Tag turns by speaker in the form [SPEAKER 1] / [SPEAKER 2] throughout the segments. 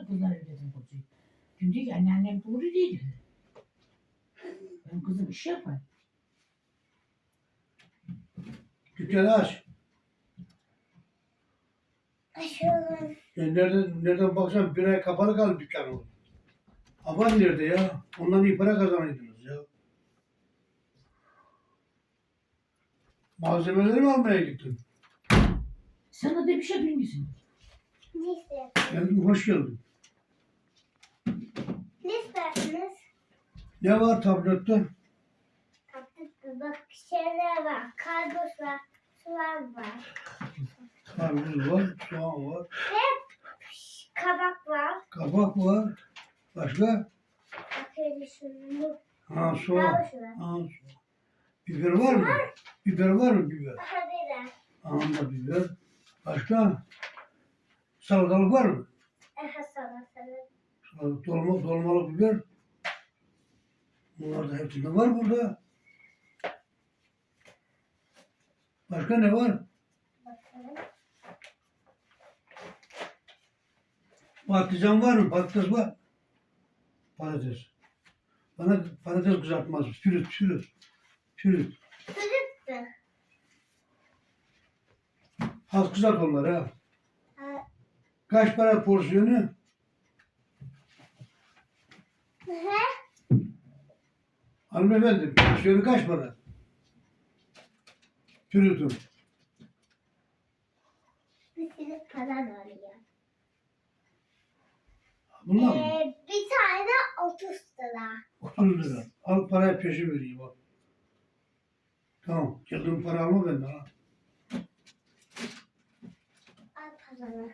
[SPEAKER 1] kızlar dedim kocuğu. Dün diyor ki anneannem doğru değil dedi. Benim kızım iş yapar.
[SPEAKER 2] Dükkanı aç.
[SPEAKER 3] Açıyorum.
[SPEAKER 2] Nereden baksan bir ay kapalı kaldı dükkan o. Aban nerede ya? Ondan iyi para kazanıyordunuz ya. Malzemeleri mi almaya gittin?
[SPEAKER 1] Sana da bir şey bilmiyorsun.
[SPEAKER 3] Ne istersiniz?
[SPEAKER 2] Geldin, hoş geldin.
[SPEAKER 3] Ne istersiniz?
[SPEAKER 2] Ne var tablette?
[SPEAKER 3] Tatlı bak şeyler var. Karpuz var. Soğan var.
[SPEAKER 2] Karpuz var, soğan var,
[SPEAKER 3] Kabak var.
[SPEAKER 2] kabak var. Başka?
[SPEAKER 3] Bakıyorum şunu.
[SPEAKER 2] Ha soğan.
[SPEAKER 3] Havuç var.
[SPEAKER 2] Ha, soğan. Biber var mı? Biber var mı biber?
[SPEAKER 3] Aha biber.
[SPEAKER 2] Anında biber. Başka? Salatalık var mı?
[SPEAKER 3] Aha salatalık.
[SPEAKER 2] Dolmalık biber. Bunlar da hepsinde var burada. Başka ne var?
[SPEAKER 3] Bakalım.
[SPEAKER 2] Patlıcan var mı? Patates var. Patates. Bana patates kızartmaz. Pürüt.
[SPEAKER 3] Sürüp mü?
[SPEAKER 2] Az kızart onları ha.
[SPEAKER 3] Ha.
[SPEAKER 2] Kaç para porsiyonu?
[SPEAKER 3] He?
[SPEAKER 2] Hanımefendi porsiyonu kaç para? Pürütün.
[SPEAKER 3] Bir sürü falan oluyor.
[SPEAKER 2] Bunlar mı?
[SPEAKER 3] Bir tane 30 lira.
[SPEAKER 2] 30 lira. Al parayı peşin vereyim bak. Tamam. Geldiğin para alma benden ha.
[SPEAKER 3] Al paranı.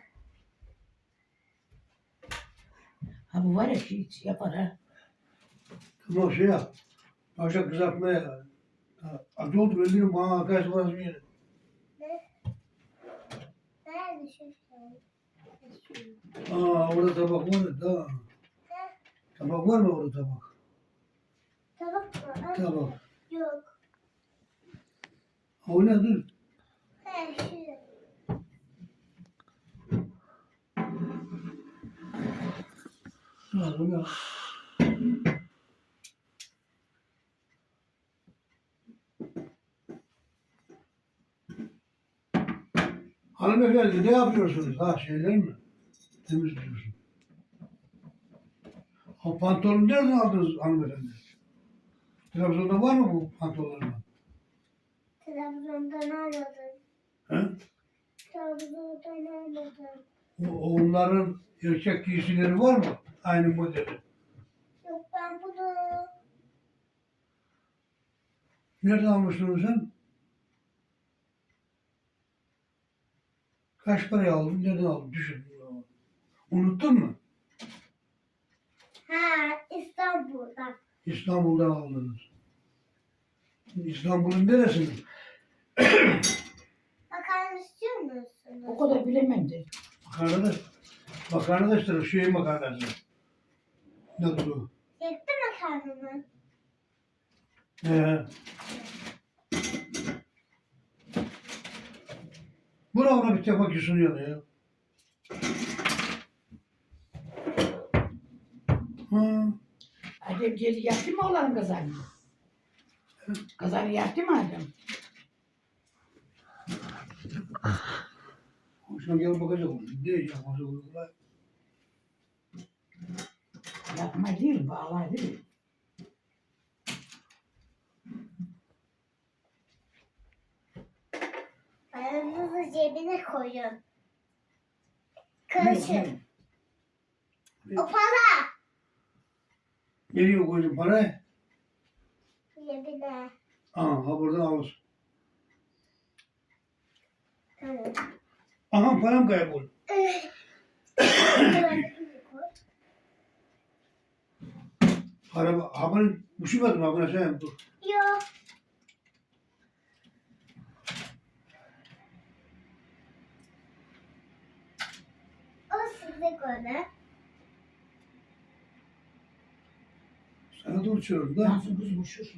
[SPEAKER 1] Ha bu var ya hiç yapar ha.
[SPEAKER 2] Tamam şey yap. Başka kızartmaya. Acı oldu veriyorum bana arkadaş burası bir yere.
[SPEAKER 3] Ne? Nerede şu şey?
[SPEAKER 2] Orada tabak var ya. Tamam. Tabak var mı orada tabak?
[SPEAKER 3] Tabak mı? Al.
[SPEAKER 2] Tabak.
[SPEAKER 3] Yok.
[SPEAKER 2] O ne dur.
[SPEAKER 3] He şu.
[SPEAKER 2] Tamam ya. Hanımefendi ne yapıyorsunuz? Ha şeyler mi? Temizliyorsun. O pantolonu nereden aldınız hanımefendi? Trabzon'da var mı bu pantolonlar?
[SPEAKER 3] Trabzon'dan almadım.
[SPEAKER 2] He?
[SPEAKER 3] Trabzon'dan almadım.
[SPEAKER 2] Onların erkek giysileri var mı? Aynı modeli.
[SPEAKER 3] Yok ben bunu
[SPEAKER 2] Nereden almıştın sen? Kaç paraya aldın? Nereden aldın? Düşün. Unuttun mu?
[SPEAKER 3] İstanbul'dan.
[SPEAKER 2] İstanbul'dan aldınız. İstanbul'un neresinde?
[SPEAKER 3] Makarna istiyor
[SPEAKER 1] O
[SPEAKER 3] musunuz?
[SPEAKER 1] kadar bilemem de.
[SPEAKER 2] Makarna da işte şey makarnası. Nedir o?
[SPEAKER 3] Yetti makarna mı?
[SPEAKER 2] Ee, Buna bir tabak sunuyor ya. Ha.
[SPEAKER 1] Adem geri yaktı mı oğlanın kazanı? Kazanı yaktı mı Adem?
[SPEAKER 2] Hoşuna gel bakacak. Ne yapması olur?
[SPEAKER 1] Yapma değil, bağlar değil.
[SPEAKER 3] Paranızı cebine koyun. Karışın. O para.
[SPEAKER 2] Nereye koydun parayı?
[SPEAKER 3] Cebine.
[SPEAKER 2] Ha buradan alırsın.
[SPEAKER 3] Tamam.
[SPEAKER 2] Aha param kayboldu. Para, haberin üşümedim habire sen dur.
[SPEAKER 3] Yok. O size göre.
[SPEAKER 2] Sana dur içiyorum da.
[SPEAKER 1] Nasıl kız muşur.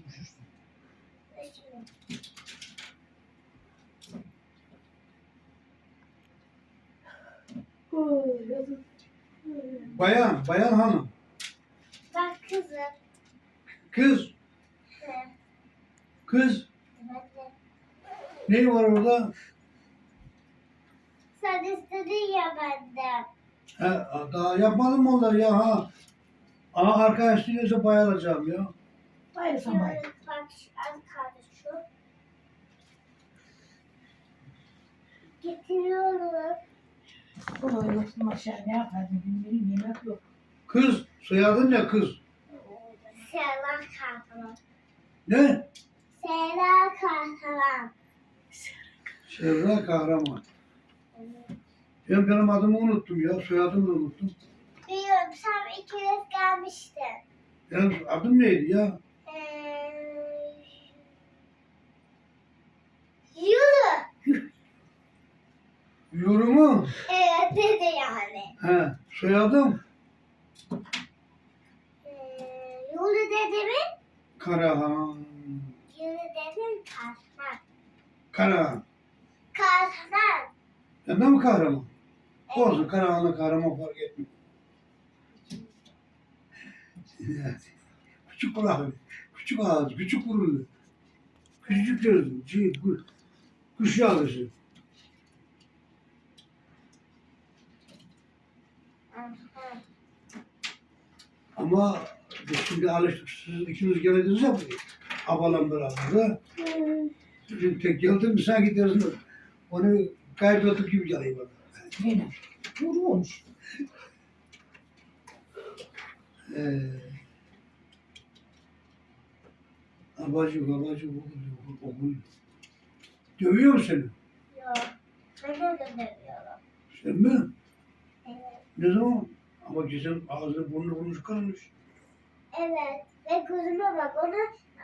[SPEAKER 2] Bayan hanım.
[SPEAKER 3] Bak kızım.
[SPEAKER 2] Kız,
[SPEAKER 3] Evet.
[SPEAKER 2] kız.
[SPEAKER 3] Evet.
[SPEAKER 2] Ne var orada?
[SPEAKER 3] Sen istedin ya benden.
[SPEAKER 2] Ha, daha yapmadım mı onları ya ha? Ama arkadaş diyorsa bayılacağım ya.
[SPEAKER 1] Bayılsan bayıl.
[SPEAKER 3] Bak az kaldı şu. Getiriyorum.
[SPEAKER 1] Bunu yoksun aşağı ne yapardın bilmiyorum yemek yok.
[SPEAKER 2] Kız, soyadın ne kız?
[SPEAKER 3] Serra Kahraman.
[SPEAKER 2] Ne?
[SPEAKER 3] Serra Kahraman.
[SPEAKER 2] Serra Kahraman. Ben benim adımı unuttum ya, soyadımı da unuttum.
[SPEAKER 3] Biliyorum sen iki kez gelmiştin.
[SPEAKER 2] Benim adım neydi ya?
[SPEAKER 3] Yürü.
[SPEAKER 2] Yorumu?
[SPEAKER 3] Evet dedi yani.
[SPEAKER 2] He, soyadım
[SPEAKER 3] Yürü dedi mi?
[SPEAKER 2] Karahan.
[SPEAKER 3] Yürü dedi Kahraman.
[SPEAKER 2] Karahan.
[SPEAKER 3] Kahraman.
[SPEAKER 2] Ben de mi kahraman? Olsun, Karahan'la kahraman fark etmiyor. Küçük kulaklı, küçük ağız, küçük burunlu, küçücük gözlü, kuş yavrusu. Ama biz şimdi alıştık, siz ikiniz geldiniz ya buraya. Abalan beraber. Şimdi tek geldin mi sanki dersin, onu kaybettik gibi geliyor bana.
[SPEAKER 1] Neyle? Vuru olmuş.
[SPEAKER 2] Abacık, okul. Dövüyor mu seni?
[SPEAKER 3] Yok. Ben de dönemiyorum.
[SPEAKER 2] Sen mi?
[SPEAKER 3] Evet.
[SPEAKER 2] Ne zaman? Ama güzel ağzını burnunu çıkarmış.
[SPEAKER 3] Evet. Ve gözüme bak ona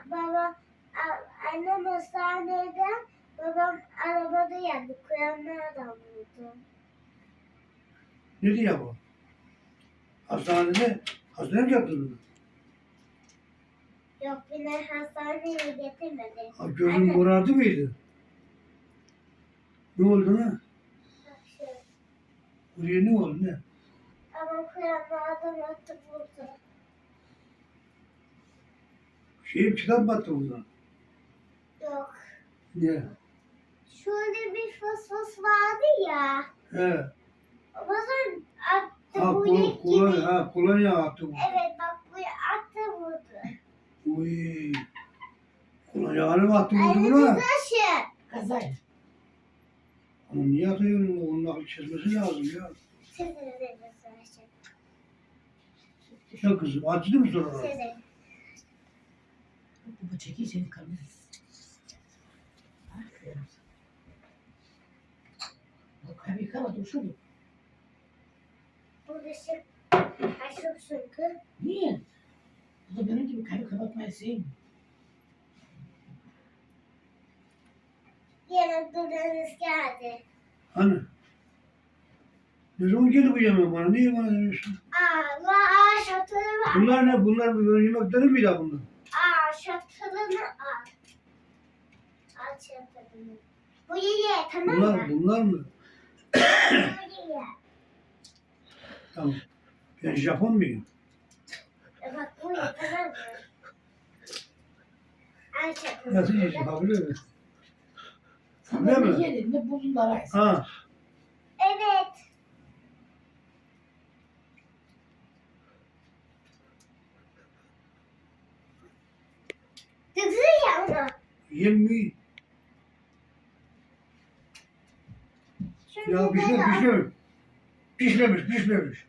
[SPEAKER 3] annem hastaneden babam arabada yandı. Kuyanlardan vurdu.
[SPEAKER 2] Ne diyor bu? Hastaneye mi yaptırdın?
[SPEAKER 3] Yok beni hastaneye getirmedi.
[SPEAKER 2] Ha, gözün
[SPEAKER 3] Anne.
[SPEAKER 2] morardı mıydı? Ne oldu ne?
[SPEAKER 3] Bak şu.
[SPEAKER 2] Buraya ne oldu ne?
[SPEAKER 3] Ama kuyanlardan attı vurdu.
[SPEAKER 2] Kitap battı buradan.
[SPEAKER 3] Yok.
[SPEAKER 2] Niye?
[SPEAKER 3] Şöyle bir fıs vardı ya.
[SPEAKER 2] He.
[SPEAKER 3] O zaman attı
[SPEAKER 2] Ha,
[SPEAKER 3] bu yek gibi.
[SPEAKER 2] kolonya attı bu.
[SPEAKER 3] Evet bak bu attı vurdu.
[SPEAKER 2] Uy. Kolonyaları mı attı vurdu
[SPEAKER 3] Anne
[SPEAKER 2] buna?
[SPEAKER 3] taşı.
[SPEAKER 1] Kazayla.
[SPEAKER 2] Ama niye atıyorsun? Onun aklı çizmesi lazım ya.
[SPEAKER 3] Sizin de taşı.
[SPEAKER 2] Ya kızım acıdı mı sonra?
[SPEAKER 3] Sizin.
[SPEAKER 1] Bu çekiyi senin karnına. Aferin sana. Bak abi yıkama dursun.
[SPEAKER 3] Bu dışı aşık çünkü.
[SPEAKER 1] Niye? Bu da benim gibi kalbi kapatmayı sevmiyor.
[SPEAKER 3] Yemekleriniz geldi.
[SPEAKER 2] Hani? Ne zaman geldi bu yemek bana? Niye bana demiyorsun?
[SPEAKER 3] Şatını var.
[SPEAKER 2] Bunlar ne? Bunlar böyle yemekleri mi ya bunlar?
[SPEAKER 3] Şatını al. Al şatını. Bu ye tamam mı?
[SPEAKER 2] Bunlar mı?
[SPEAKER 3] Bu ye.
[SPEAKER 2] Tamam. Ben Japon muyum?
[SPEAKER 3] Bak bu ye tamam mı? Al şatını.
[SPEAKER 2] Nasıl yiyeceğim? Ha biliyor musun?
[SPEAKER 1] Sana
[SPEAKER 2] Değil
[SPEAKER 1] ne
[SPEAKER 2] mi?
[SPEAKER 1] yedin ne buldun da araysın.
[SPEAKER 2] Ha.
[SPEAKER 3] Evet. Dıgzı ya onu.
[SPEAKER 2] Yem mi?
[SPEAKER 3] Şimdi
[SPEAKER 2] Ya pişmemiş. Pişmemiş.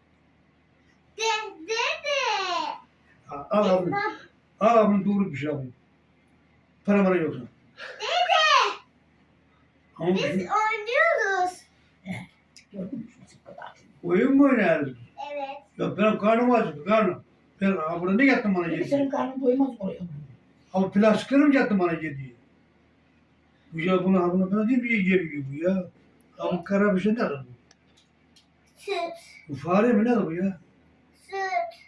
[SPEAKER 3] Dede.
[SPEAKER 2] Al abi. Al abi doğru piş abi. Para yoksa.
[SPEAKER 3] Dede.
[SPEAKER 2] Ama
[SPEAKER 3] Biz oynuyoruz.
[SPEAKER 1] Gördün mü şu kadar?
[SPEAKER 2] oyun mu oynarız?
[SPEAKER 3] Evet.
[SPEAKER 2] Ya benim karnım acıktı karnım. Ben burada ne yattım bana
[SPEAKER 1] Peki
[SPEAKER 2] yedi?
[SPEAKER 1] senin karnın doymaz oraya.
[SPEAKER 2] Ama plastiklerim yattım bana yedi. Bu ya buna bana değil mi yiyeceğim bu ya? Abi kara bir şey ne bu?
[SPEAKER 3] Süt.
[SPEAKER 2] Bu fare mi ne bu ya?
[SPEAKER 3] Süt.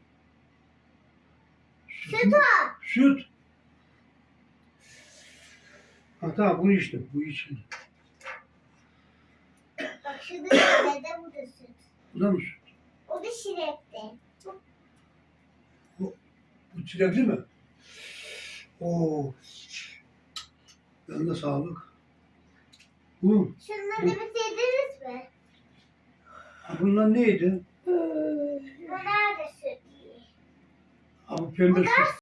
[SPEAKER 2] Süt.
[SPEAKER 3] Süt
[SPEAKER 2] mü?
[SPEAKER 3] o.
[SPEAKER 2] Süt. Ha tamam bu işte. Bu için.
[SPEAKER 3] Bak şurada dede bu da süt.
[SPEAKER 2] Bu da mı süt?
[SPEAKER 3] O da şirekli.
[SPEAKER 2] Bu çilekli mi? Oo. Yanına sağlık. Bu.
[SPEAKER 3] Şunları bitirdiniz mi?
[SPEAKER 2] Bunlar neydi?
[SPEAKER 3] Bunlar da sütlü.
[SPEAKER 2] Abi pembe
[SPEAKER 3] Bunlar